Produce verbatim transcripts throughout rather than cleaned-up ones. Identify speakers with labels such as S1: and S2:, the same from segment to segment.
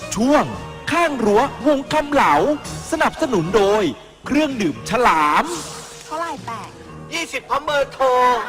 S1: ช่วงข้างรั้ววงคำเหลาสนับสนุนโดยเครื่องดื่มฉลาม
S2: เท่าไหร่แปด
S3: ยี่สิบพร้อมเบอร์โทร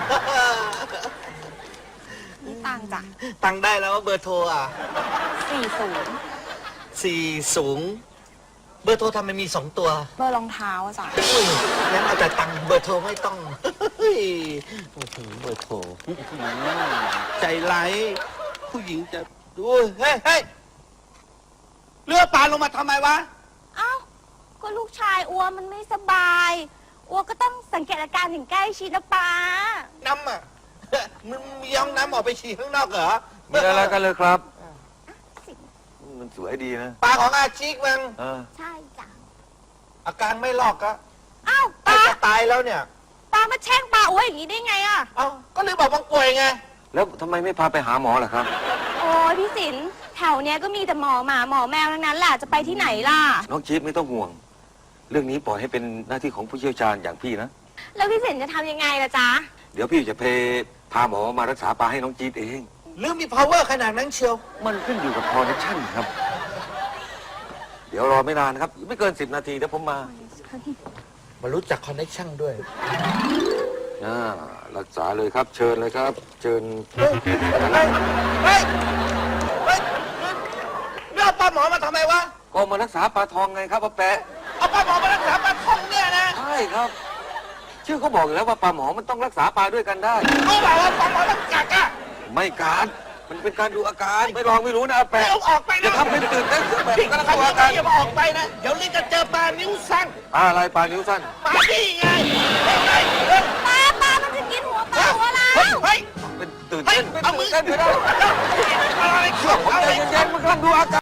S2: นี่ตังค์จ้ะ
S3: ตังได้แล้วว่าเบอร์โทรอ่ะ
S2: สี่ศูนย์
S3: สี่สูง เบอร์โทรทำไมมีสองตัว
S2: เบอร์รองเท้าอะจ้ะ
S3: อุ้ยงั้นเอาแต่ตังค์เบอร์โทรไม่ต้องเฮ้ยโอ้โหเบอร์โทร
S4: ใจร้ายผู้หญิงจะดูเฮ้ยเฮ้ยเลือปลาลงมาทำไมวะ
S2: เอ้าก็ลูกชายอัวมันไม่สบายอัวก็ต้องสังเกตอาการอย่างใกล้ชิดนะป้า
S3: น้ำอ่ะมึงมีห้องน้ำออกไปฉี่ข้างนอกเหรอ
S5: มีอะไรกันเลยครับ มันสวยดีนะ
S3: ปลาของอาชิกมึง
S5: เออ
S2: ใช่จ้ะ
S3: อาการไม่ลอกก็
S2: เอ้า
S3: ใกล้
S2: ป้า
S3: จะตายแล้วเนี่ย
S2: ป้ามาแช่งป้าอัวอย่างนี้ได้ไงอะ
S3: เอ้าก็ลืมบอกว่าป่วยไง
S5: แล้วทำไมไม่พาไปหาหมอล่ะครับ
S2: โอ้ยพี่สินแถวเนี้ยก็มีแต่หมอหมาหมอแมวทั้งนั้นแหละจะไปที่ไหนล่ะ
S5: น้องจี๊บไม่ต้องห่วง เรื่องนี้ปล่อยให้เป็นหน้าที่ของผู้เชี่ยวชาญอย่างพี่นะ
S2: แล้วพี่สินจะทำยังไงล่ะจ๊ะ
S5: เดี๋ยวพี่จะเพพาหมอมารักษาปลาให้น้องจี๊บเอง
S3: หรือมี power ขนาดนั้นเชียว
S5: มันขึ้นอยู่กับคอนเนคชั่นครับ เดี๋ยวรอไม่นานครับ ไม่เกินสิบนาทีเดี๋ยวผมมา
S3: มารู้จัก connection ด้วย
S5: อ่ารักษาเลยครับ เชิญเลยครับ เชิญ
S3: เฮ้ย เฮ้ย เฮ้ย เฮ้ยเรื่องปลาหมอมาทำไมวะ
S5: ก็มารักษาปลาทองไงครับป้าแปะ
S3: เอาปลาหมอมารักษาปลาท่องเนี่ยนะ
S5: ใช่ครับ ชื่อเขาบอกอยู่แล้วว่าปลาหมอมันต้องรักษาปลาด้วยกันได้
S3: เขาบอกว่าปลาหมอต้องกัดอะ
S5: ไม่การมันเป็นการดูอาการ ไม่ลองไม่รู้นะอา
S3: ไม่
S5: แปะ
S3: เอาออกไป
S5: จะ
S3: นะ
S5: ทำเป็นตื่นเต้นแบบ
S3: พี่
S5: ก็
S3: ก็
S5: ต้อง
S3: ต้
S5: ดู
S3: อง
S5: อาการ
S3: อย่ามาออกไปนะ เดี๋ยวลิงจะเจอปลานิ้วสั้น
S5: ปลาอะไรปลานิ้วสั้น
S3: ปลาที่ไงเฮ้ยเฮ้ยเฮ้ย
S2: ป้าป้ามันจะกินหัวปลาหัวเรา
S3: เฮ้ย
S5: เป็นตื่น
S3: เฮ้ย
S5: เต้นเป็น
S3: เอามื
S5: ตื่
S3: อน
S5: เต้นไม่ได้
S3: อะไรเขียว
S5: ผม
S3: อะไร
S5: ใจเย็นๆมันกำลังดูอาการ